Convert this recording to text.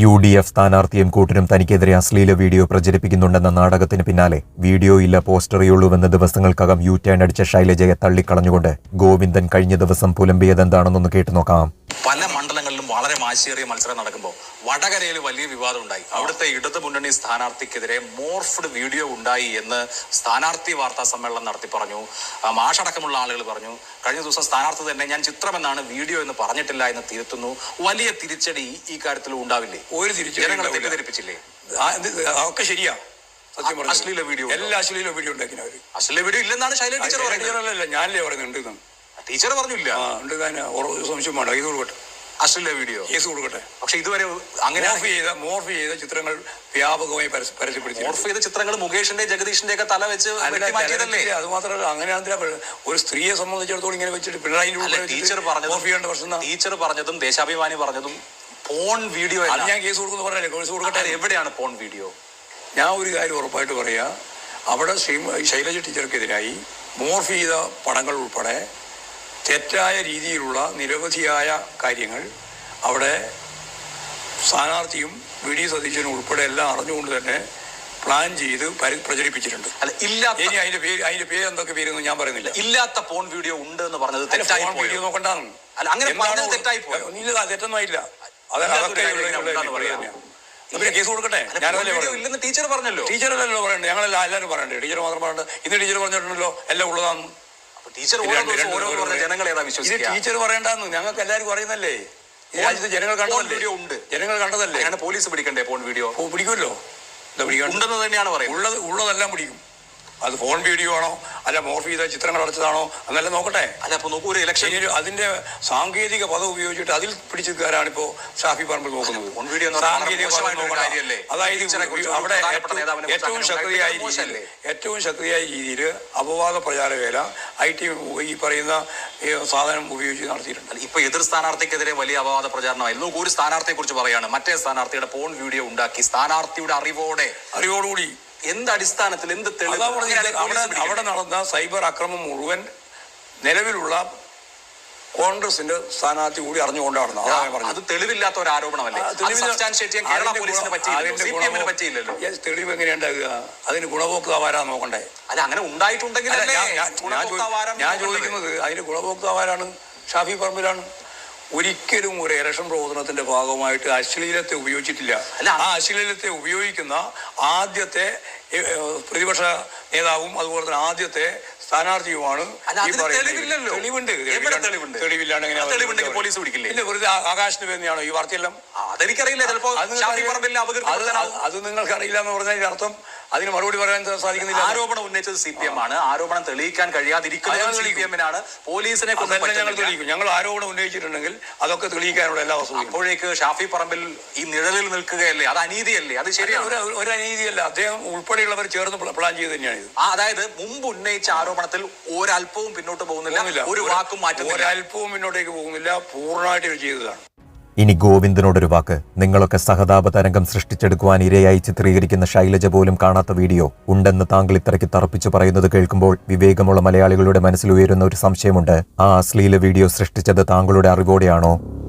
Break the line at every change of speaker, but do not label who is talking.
UDF സ്ഥാനാർത്ഥിയും കൂട്ടരും തനിക്കെതിരെ അശ്ലീല വീഡിയോ പ്രചരിപ്പിക്കുന്നുണ്ടെന്ന നാടകത്തിന് പിന്നാലെ വീഡിയോ ഇല്ല പോസ്റ്ററേയുള്ളൂവെന്ന് ദിവസങ്ങൾക്കകം യു-ടേൺ അടിച്ച ശൈലജയെ തള്ളിക്കളഞ്ഞുകൊണ്ട് ഗോവിന്ദൻ കഴിഞ്ഞ ദിവസം പുലമ്പിയതെന്താണെന്നൊന്ന് കേട്ടുനോക്കാം.
പല മണ്ഡലങ്ങളിലും വളരെ മാശിയേറിയ മത്സരം നടക്കുമ്പോൾ വടകരയിൽ വലിയ വിവാദം ഉണ്ടായി. അവിടുത്തെ ഇടതു മുന്നണി സ്ഥാനാർത്ഥിക്കെതിരെ മോർഫ്ഡ് വീഡിയോ ഉണ്ടായി എന്ന് സ്ഥാനാർത്ഥി വാർത്താ സമ്മേളനം നടത്തി പറഞ്ഞു. മാഷടക്കമുള്ള ആളുകൾ പറഞ്ഞു. കഴിഞ്ഞ ദിവസം സ്ഥാനാർത്ഥി തന്നെ ഞാൻ ചിത്രമെന്നാണ് വീഡിയോ എന്ന് പറഞ്ഞിട്ടില്ല എന്ന് തിരുത്തുന്നു. വലിയ തിരിച്ചടി ഈ കാര്യത്തിൽ ഉണ്ടാവില്ലേ?
ഒരു തിരിച്ചടി
ജനങ്ങളെ തെറ്റിദ്ധരിപ്പിച്ചില്ലേ?
ഒക്കെ ശരിയാ. സത്യം പറഞ്ഞു.
അശ്ലീല വീഡിയോ,
എല്ലാ അശ്ലീല വീഡിയോ ഉണ്ടാക്കിയവര്.
അശ്ലീല വീഡിയോ ഇല്ലെന്നാണ് ശൈലജ ടീച്ചർ
പറയുന്നത്. ഞാനല്ലേ പറയുന്നുണ്ട്.
ടീച്ചർ പറഞ്ഞില്ല.
സംശയം വേണ്ട. ഇത് കൊടുക്കട്ടെ,
അശ്ലീല വീഡിയോ കേസ് കൊടുക്കട്ടെ. പക്ഷെ ഇതുവരെ അങ്ങനെ
മോർഫ് ചെയ്ത ചിത്രങ്ങൾ വ്യാപകമായി പരസ്യപ്പെടുത്തി.
മോർഫ് ചെയ്ത ചിത്രങ്ങൾ മുകേഷിന്റെ ജഗദീഷിന്റെ ഒക്കെ തല വെച്ച് മാറ്റിയതല്ലേ?
അത് മാത്രമല്ല, അങ്ങനെയാണെന്നില്ല. ഒരു സ്ത്രീയെ സംബന്ധിച്ചിടത്തോളം ഇങ്ങനെ വെച്ചിട്ട് പിണറായി
ടീച്ചർ പറഞ്ഞതും ദേശാഭിമാനി പറഞ്ഞതും പോൺ വീഡിയോ.
ഞാൻ കേസ് കൊടുക്കുന്നു പറഞ്ഞല്ലേ. കേസ് കൊടുക്കട്ടെ.
എവിടെയാണ് പോൺ വീഡിയോ?
ഞാൻ ഒരു കാര്യം ഉറപ്പായിട്ട് പറയാ, അവിടെ ശൈലജ ടീച്ചർക്കെതിരായി മോർഫ് ചെയ്ത പടങ്ങൾ ഉൾപ്പെടെ തെറ്റായ രീതിയിലുള്ള നിരവധിയായ കാര്യങ്ങൾ അവിടെ സ്ഥാനാർത്ഥിയും വി.ഡി. സതീശനും ഉൾപ്പെടെ എല്ലാം അറിഞ്ഞുകൊണ്ട് തന്നെ പ്ലാൻ ചെയ്ത് പ്രചരിപ്പിച്ചിട്ടുണ്ട്. ഇനി അതിന്റെ പേര് എന്തൊക്കെ പേരൊന്നും ഞാൻ പറയുന്നില്ല.
ഇല്ലാത്ത പോൺ വീഡിയോ ഉണ്ട് എന്ന് പറഞ്ഞത്
വീഡിയോ നോക്കണ്ടാണ്. തെറ്റൊന്നും ആയില്ല. കേസ് കൊടുക്കട്ടെ. ഞാനല്ലേ
ടീച്ചർ പറഞ്ഞല്ലോ.
ടീച്ചറല്ലോ പറയണ്ടേ? ഞങ്ങളെല്ലാം എല്ലാവരും പറയണ്ടേ? ടീച്ചർ മാത്രം പറയണ്ട. ഇന്ന് ടീച്ചർ പറഞ്ഞിട്ടുണ്ടല്ലോ എല്ലാം ഉള്ളതാന്ന്.
ടീച്ചർ
പറയണ്ടെന്ന് ഞങ്ങൾക്ക് എല്ലാവരും പറയുന്നല്ലേ? ഈ രാജ്യത്ത് ജനങ്ങൾ കണ്ടതല്ലേ?
പോലീസ് പിടിക്കണ്ടേ പോൺ വീഡിയോ?
പിടിക്കുമല്ലോ.
ഉണ്ടെന്ന് തന്നെയാണ് പറയുന്നത്.
ഉള്ളതെല്ലാം പിടിക്കും. അത് ഫോൺ വീഡിയോ ആണോ അല്ല മോർഫ് ചെയ്ത ചിത്രങ്ങൾ അടച്ചതാണോ അന്നെല്ലാം നോക്കട്ടെ.
അല്ല, അപ്പൊ നോക്കൂ, ഒരു ഇലക്ഷൻ
അതിന്റെ സാങ്കേതിക പദം ഉപയോഗിച്ചിട്ട് അതിൽ പിടിച്ചെടുക്കാനാണ് ഇപ്പോ ഷാഫി പറമ്പിൽ നോക്കുന്നത്. അതായത് അവിടെ ഏറ്റവും ശക്തിയായ രീതിയിൽ അപവാദ പ്രചാരവേല ഈ പറയുന്ന സാധനം ഉപയോഗിച്ച് നടത്തിയിട്ടുണ്ട്.
ഇപ്പൊ എതിർ സ്ഥാനാർത്ഥിക്കെതിരെ വലിയ അപവാദ പ്രചാരണമായിരുന്നു. ഒരു സ്ഥാനാർത്ഥിയെ കുറിച്ച് പറയാണ്, മറ്റേ സ്ഥാനാർത്ഥിയുടെ പോൺ വീഡിയോ ഉണ്ടാക്കി സ്ഥാനാർത്ഥിയുടെ അറിവോടുകൂടി എന്ത് അടിസ്ഥാനത്തിൽ, എന്ത് തെളിവ്?
അവിടെ നടന്ന സൈബർ ആക്രമണം മുഴുവൻ നിലവിലുള്ള കോൺഗ്രസിന്റെ സ്ഥാനാർത്ഥി കൂടി അറിഞ്ഞുകൊണ്ടാണ്.
അത് തെളിവില്ലാത്ത ഒരു ആരോപണമല്ലേ?
തെളിവ് എങ്ങനെയുണ്ടാകുക? അതിന് ഗുണഭോക്താവാരാ നോക്കണ്ടേ?
അല്ല, അങ്ങനെ ഉണ്ടായിട്ടുണ്ടെങ്കിൽ
ഞാൻ ചോദിക്കുന്നത് അതിന് ഗുണഭോക്താവാരാണ്? ഷാഫി പറമ്പിലാണ്. ഒരിക്കലും ഒരു ഇലക്ഷൻ പ്രവർത്തനത്തിന്റെ ഭാഗമായിട്ട് അശ്ലീലത്തെ ഉപയോഗിച്ചിട്ടില്ല. ആ അശ്ലീലത്തെ ഉപയോഗിക്കുന്ന ആദ്യത്തെ പ്രതിപക്ഷ നേതാവും അതുപോലെ തന്നെ ആദ്യത്തെ സ്ഥാനാർത്ഥിയുമാണ്. തെളിവില്ലാണ്ട്
പോലീസ് പിടിക്കില്ലേ?
വെറുതെ ആകാശത്തിന് വേണ്ടിയാണോ ഈ വാർത്തയെല്ലാം?
അതെനിക്കറിയില്ല.
അത് നിങ്ങൾക്ക് അറിയില്ല എന്ന് പറഞ്ഞതിന്റെ അർത്ഥം അതിന് മറുപടി പറയാൻ സാധിക്കുന്നില്ല.
ആരോപണം ഉന്നയിച്ചത് CPM ആണ്. ആരോപണം തെളിയിക്കാൻ കഴിയാതിരിക്കുന്നത് CPM-നാണ്. പോലീസിനെ
ഞങ്ങൾ തെളിയിക്കും. ഞങ്ങൾ ആരോപണം ഉന്നയിച്ചിട്ടുണ്ടെങ്കിൽ അതൊക്കെ തെളിയിക്കാനുള്ള എല്ലാ വസ്തുതയും.
അപ്പോഴേക്ക് ഷാഫി പറമ്പിൽ ഈ നിഴലിൽ നിൽക്കുകയല്ലേ? അത് അനീതിയല്ലേ? അത് ശരിയാണ്.
ഒരു അനീതിയല്ല. അദ്ദേഹം ഉൾപ്പെടെയുള്ളവർ ചേർന്ന് പ്ലാൻ ചെയ്ത് തന്നെയാണ് ഇത്.
അതായത് മുമ്പ് ഉന്നയിച്ച ആരോപണത്തിൽ ഒരല്പവും പിന്നോട്ട് പോകുന്നില്ല, ഒരു വാക്കും മാറ്റുന്നില്ല.
ഒരല്പവും മുന്നോട്ടേക്ക് പോകുന്നില്ല. പൂർണ്ണമായിട്ട് ചെയ്തതാണ്.
ഇനി ഗോവിന്ദനോടൊരു വാക്ക്. നിങ്ങളൊക്കെ സഹതാപ തരംഗം സൃഷ്ടിച്ചെടുക്കുവാൻ ഇരയായി ചിത്രീകരിക്കുന്ന ശൈലജ പോലും കാണാത്ത വീഡിയോ ഉണ്ടെന്ന് താങ്കൾ ഇത്രയ്ക്ക് തറപ്പിച്ചു പറയുന്നത് കേൾക്കുമ്പോൾ വിവേകമുള്ള മലയാളികളുടെ മനസ്സിൽ ഉയരുന്ന ഒരു സംശയമുണ്ട്. ആ അശ്ലീല വീഡിയോ സൃഷ്ടിച്ചത് താങ്കളുടെ അറിവോടെയാണോ?